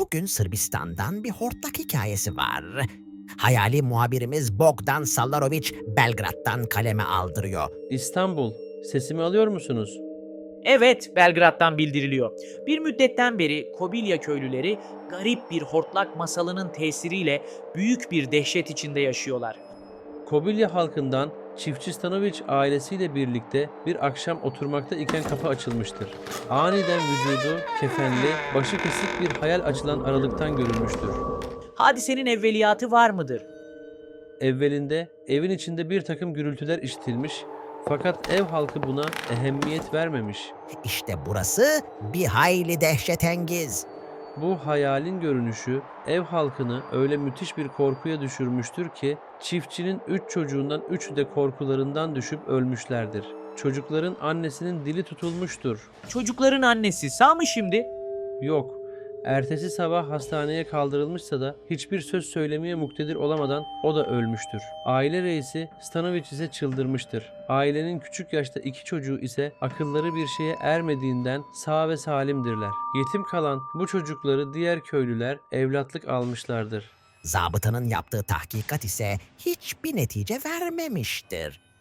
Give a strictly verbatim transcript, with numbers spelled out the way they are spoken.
Bugün Sırbistan'dan bir hortlak hikayesi var. Hayali muhabirimiz Bogdan Sallaroviç Belgrad'dan kaleme aldırıyor. İstanbul, sesimi alıyor musunuz? Evet, Belgrad'dan bildiriliyor. Bir müddetten beri Kobilya köylüleri garip bir hortlak masalının tesiriyle büyük bir dehşet içinde yaşıyorlar. Kobilya halkından çiftçi Stanoviç ailesiyle birlikte bir akşam oturmakta iken kapı açılmıştır. Aniden vücudu kefenli, başı kesik bir hayal açılan aralıktan görülmüştür. Hadisenin evveliyatı var mıdır? Evvelinde evin içinde bir takım gürültüler işitilmiş fakat ev halkı buna ehemmiyet vermemiş. İşte burası bir hayli dehşetengiz. Bu hayalin görünüşü ev halkını öyle müthiş bir korkuya düşürmüştür ki çiftçinin üç çocuğundan üçü de korkularından düşüp ölmüşlerdir. Çocukların annesinin dili tutulmuştur. Çocukların annesi sağ mı şimdi? Yok. Ertesi sabah hastaneye kaldırılmışsa da hiçbir söz söylemeye muktedir olamadan o da ölmüştür. Aile reisi Stanoviç ise çıldırmıştır. Ailenin küçük yaşta iki çocuğu ise akılları bir şeye ermediğinden sağ ve salimdirler. Yetim kalan bu çocukları diğer köylüler evlatlık almışlardır. Zabıtanın yaptığı tahkikat ise hiçbir netice vermemiştir.